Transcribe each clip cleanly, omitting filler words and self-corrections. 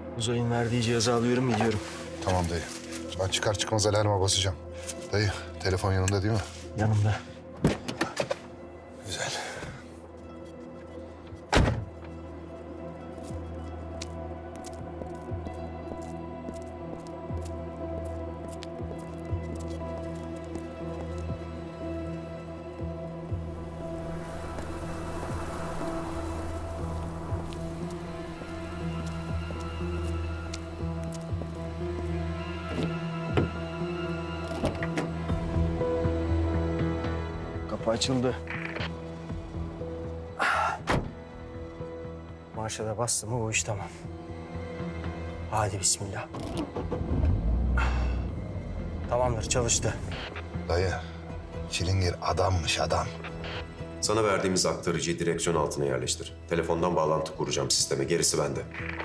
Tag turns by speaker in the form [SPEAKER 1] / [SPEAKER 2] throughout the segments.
[SPEAKER 1] Uzay'ın verdiği cihazı alıyorum gidiyorum.
[SPEAKER 2] Tamam dayı. Ben çıkar çıkmaz alarma basacağım. Dayı, telefon yanında değil mi?
[SPEAKER 1] Yanımda.
[SPEAKER 2] Güzel.
[SPEAKER 1] Kapı açıldı. Marşa da bastım mı bu iş tamam. Hadi bismillah. Tamamdır çalıştı.
[SPEAKER 2] Dayı, Çilingir adammış adam.
[SPEAKER 3] Sana verdiğimiz aktarıcıyı direksiyon altına yerleştir. Telefondan bağlantı kuracağım sisteme. Gerisi bende.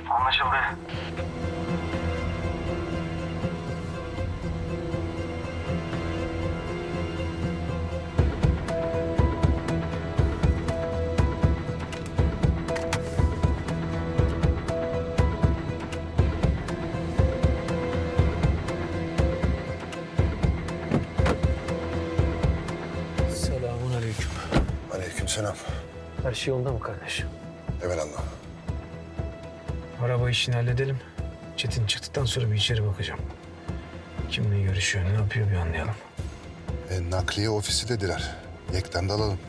[SPEAKER 1] Selamun aleyküm.
[SPEAKER 2] Aleykümselam.
[SPEAKER 1] Her şey yolunda mı kardeş?
[SPEAKER 2] Evelallah.
[SPEAKER 4] Araba işini halledelim. Çetin çıktıktan sonra bir içeri bakacağım. Kimle görüşüyor, ne yapıyor bir anlayalım.
[SPEAKER 2] Nakliye ofisi dediler. Yekten de alalım.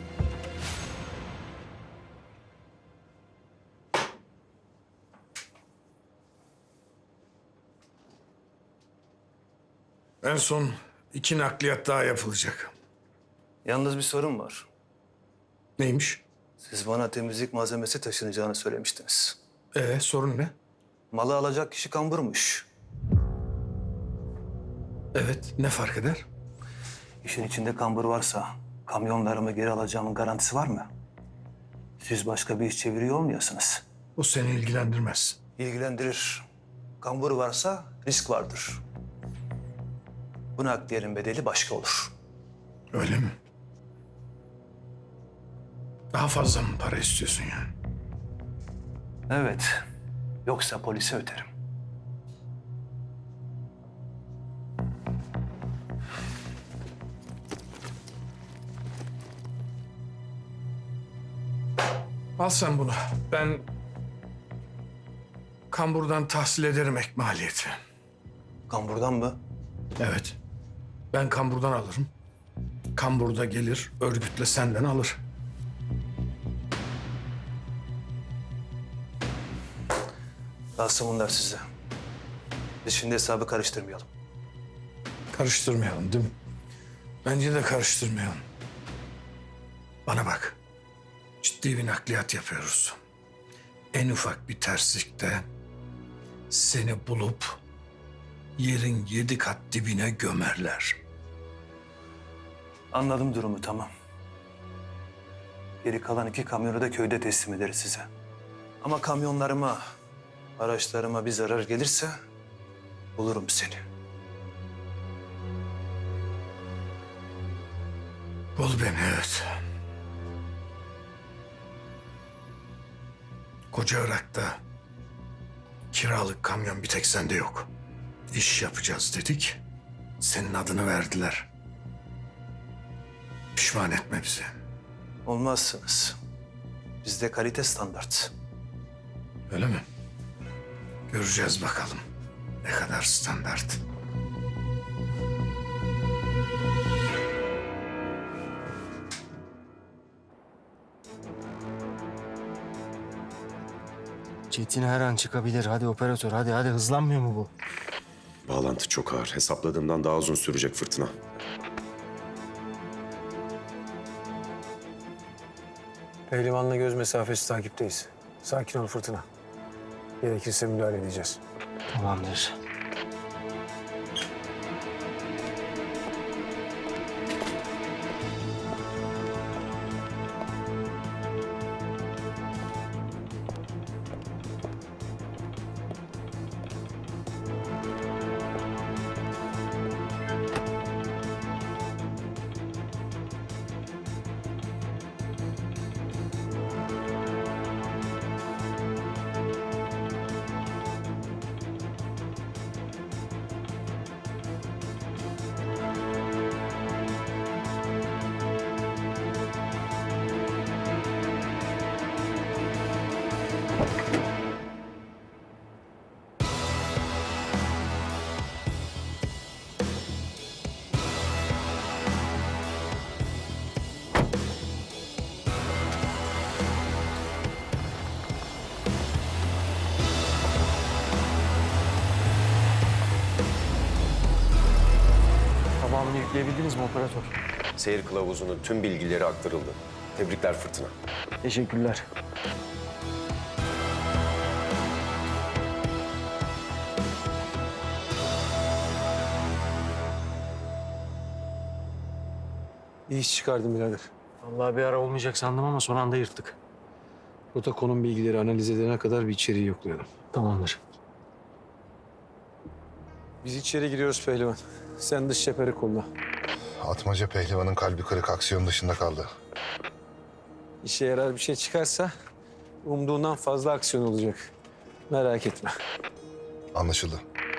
[SPEAKER 5] En son 2 nakliyat daha yapılacak.
[SPEAKER 6] Yalnız bir sorun var.
[SPEAKER 5] Neymiş?
[SPEAKER 6] Siz bana temizlik malzemesi taşınacağını söylemiştiniz.
[SPEAKER 5] Sorun ne?
[SPEAKER 6] Malı alacak kişi kamburmuş.
[SPEAKER 5] Evet, ne fark eder?
[SPEAKER 6] İşin içinde kambur varsa kamyonlarımı geri alacağımın garantisi var mı? Siz başka bir iş çeviriyor olmayasınız.
[SPEAKER 5] O seni ilgilendirmez.
[SPEAKER 6] İlgilendirir. Kambur varsa risk vardır. Bu nakliyenin bedeli başka olur.
[SPEAKER 5] Öyle mi? Daha fazla mı para istiyorsun yani?
[SPEAKER 6] Evet. Yoksa polise öderim.
[SPEAKER 5] Al sen bunu. Ben kamburdan tahsil ederim ek maliyeti.
[SPEAKER 6] Kamburdan mı?
[SPEAKER 5] Evet. Ben kamburdan alırım. Kamburda gelir, örgütle senden alır.
[SPEAKER 6] Kalsın bunlar size. Biz şimdi hesabı karıştırmayalım.
[SPEAKER 5] Karıştırmayalım değil mi? Bence de karıştırmayalım. Bana bak. Ciddi bir nakliyat yapıyoruz. En ufak bir terslikte seni bulup yerin 7 kat dibine gömerler.
[SPEAKER 6] Anladım durumu, tamam. Geri kalan 2 kamyonu da köyde teslim ederiz size. Ama kamyonlarıma, araçlarıma bir zarar gelirse bulurum seni.
[SPEAKER 5] Bul beni, evet. Koca Irak'ta kiralık kamyon bir tek sende yok. İş yapacağız dedik. Senin adını verdiler. Pişman etme bizi.
[SPEAKER 6] Olmazsınız. Bizde kalite standart.
[SPEAKER 5] Öyle mi? Göreceğiz bakalım. Ne kadar standart.
[SPEAKER 1] Çetin her an çıkabilir. Hadi operatör hadi hızlanmıyor mu bu?
[SPEAKER 3] Bağlantı çok ağır. Hesapladığımdan daha uzun sürecek fırtına.
[SPEAKER 4] Pehlivanla göz mesafesi takipteyiz. Sakin ol Fırtına. Gerekirse müdahale edeceğiz.
[SPEAKER 1] Tamamdır. Toparlayabildiniz mi operatör?
[SPEAKER 3] Seyir kılavuzunun tüm bilgileri aktarıldı. Tebrikler Fırtına.
[SPEAKER 1] Teşekkürler.
[SPEAKER 4] İyi iş çıkardın birader.
[SPEAKER 1] Vallahi bir ara olmayacak sandım ama son anda yırttık.
[SPEAKER 4] Rota konum bilgileri analiz edene kadar bir içeriği yoklayalım.
[SPEAKER 1] Tamamdır.
[SPEAKER 4] Biz içeri giriyoruz pehlivan. Sen dış çeperi kolla.
[SPEAKER 2] Atmaca pehlivanın kalbi kırık, aksiyon dışında kaldı.
[SPEAKER 4] İşe yarar bir şey çıkarsa umduğundan fazla aksiyon olacak. Merak etme.
[SPEAKER 2] Anlaşıldı.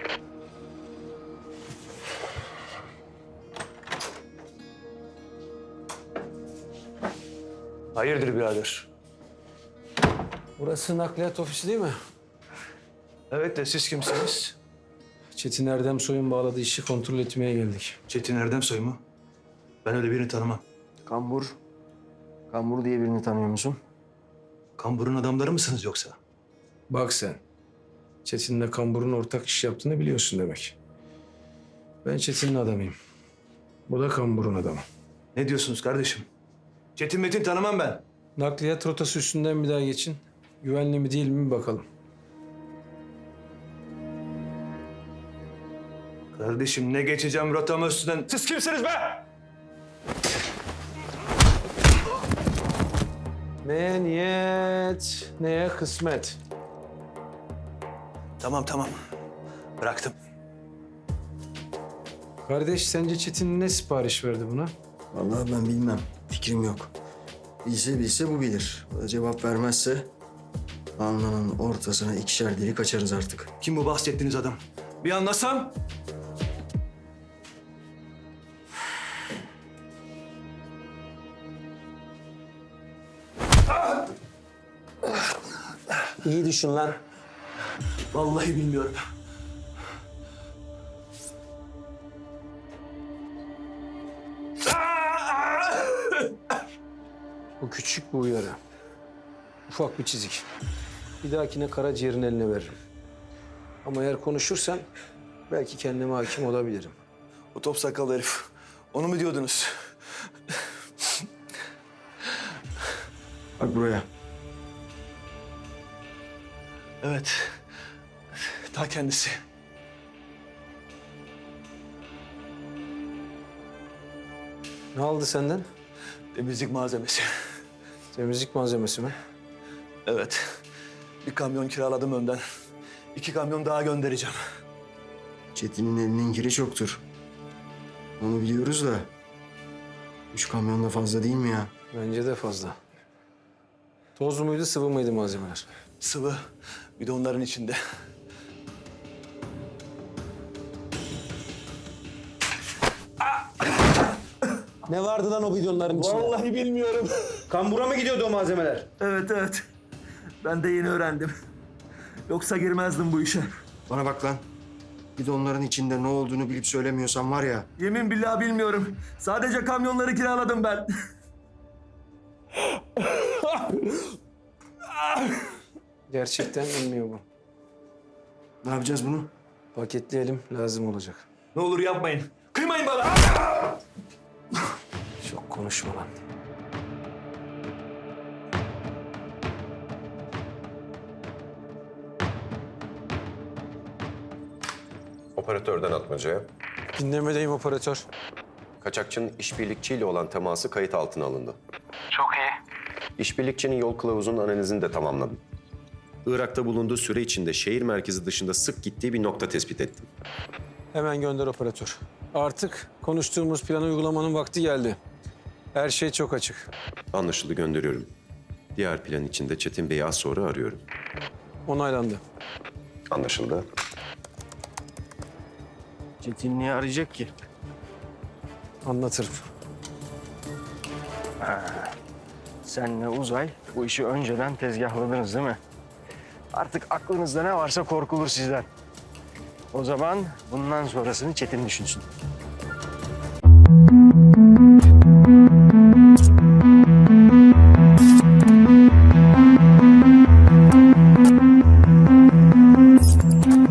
[SPEAKER 6] Hayırdır birader?
[SPEAKER 4] Burası nakliyat ofisi değil mi?
[SPEAKER 6] Evet de siz kimsiniz?
[SPEAKER 4] Çetin Erdem Soy'un bağladığı işi kontrol etmeye geldik.
[SPEAKER 6] Çetin Erdemsoy mu? Ben öyle birini tanımam.
[SPEAKER 1] Kambur. Kambur diye birini tanıyor musun?
[SPEAKER 6] Kambur'un adamları mısınız yoksa?
[SPEAKER 4] Bak sen. Çetin'le Kambur'un ortak iş yaptığını biliyorsun demek. Ben Çetin'in adamıyım. Bu da Kambur'un adamı.
[SPEAKER 6] Ne diyorsunuz kardeşim? Çetin Metin tanımam ben.
[SPEAKER 4] Nakliyat rotası üstünden bir daha geçin. Güvenli mi değil mi bir bakalım.
[SPEAKER 6] Kardeşim ne geçeceğim rotamı üstünden? Siz kimsiniz be?
[SPEAKER 4] Neye niyet, neye kısmet.
[SPEAKER 6] Tamam. Bıraktım.
[SPEAKER 4] Kardeş sence Çetin ne sipariş verdi buna?
[SPEAKER 7] Vallahi ben bilmem. Fikrim yok. Bilse bu bilir. O da cevap vermezse alnının ortasına 2'şer delik açarız artık.
[SPEAKER 6] Kim bu bahsettiğiniz adam? Bir anlasam.
[SPEAKER 4] İyi düşün lan.
[SPEAKER 6] Vallahi bilmiyorum.
[SPEAKER 4] Bu küçük bir uyarı. Ufak bir çizik. Bir dahakine karaciğerin eline veririm. Ama eğer konuşursan belki kendime hakim olabilirim.
[SPEAKER 6] O top sakallı herif. Onu mu diyordunuz?
[SPEAKER 7] Bak buraya.
[SPEAKER 6] Evet. Ta kendisi.
[SPEAKER 4] Ne aldı senden?
[SPEAKER 6] Temizlik malzemesi.
[SPEAKER 4] Temizlik malzemesi mi?
[SPEAKER 6] Evet. Bir kamyon kiraladım önden. 2 kamyon daha göndereceğim.
[SPEAKER 7] Çetin'in elinin kiri çoktur. Onu biliyoruz da 3 kamyon da fazla değil mi ya?
[SPEAKER 4] Bence de fazla. Toz muydu, sıvı mıydı malzemeler?
[SPEAKER 6] Sıvı. Bir de onların içinde.
[SPEAKER 4] Ne vardı lan o bidonların içinde?
[SPEAKER 6] Vallahi bilmiyorum.
[SPEAKER 1] Kambura mı gidiyordu o malzemeler?
[SPEAKER 6] Evet. Ben de yeni öğrendim. Yoksa girmezdim bu işe.
[SPEAKER 7] Bana bak lan. Bir de onların içinde ne olduğunu bilip söylemiyorsan var ya.
[SPEAKER 6] Yemin billah bilmiyorum. Sadece kamyonları kiraladım ben.
[SPEAKER 4] Gerçekten bilmiyor bu.
[SPEAKER 7] Ne yapacağız bunu?
[SPEAKER 4] Paketleyelim, lazım olacak.
[SPEAKER 6] Ne olur yapmayın. Kıymayın bana.
[SPEAKER 4] Çok konuşma lan.
[SPEAKER 3] Operatörden Atmaca'ya.
[SPEAKER 4] Dinlemedeyim operatör.
[SPEAKER 3] Kaçakçının işbirlikçiyle olan teması kayıt altına alındı. Çok iyi. İşbirlikçinin yol kılavuzunun analizini de tamamladım. Irak'ta bulunduğu süre içinde şehir merkezi dışında sık gittiği bir nokta tespit ettim.
[SPEAKER 4] Hemen gönder operatör. Artık konuştuğumuz planı uygulamanın vakti geldi. Her şey çok açık.
[SPEAKER 3] Anlaşıldı, gönderiyorum. Diğer plan için de Çetin Bey'i az sonra arıyorum.
[SPEAKER 4] Onaylandı.
[SPEAKER 3] Anlaşıldı.
[SPEAKER 7] Çetin niye arayacak ki?
[SPEAKER 4] Anlatırım.
[SPEAKER 7] Senle Uzay bu işi önceden tezgahladınız değil mi? Artık aklınızda ne varsa korkulur sizden. O zaman bundan sonrasını Çetin düşünsün.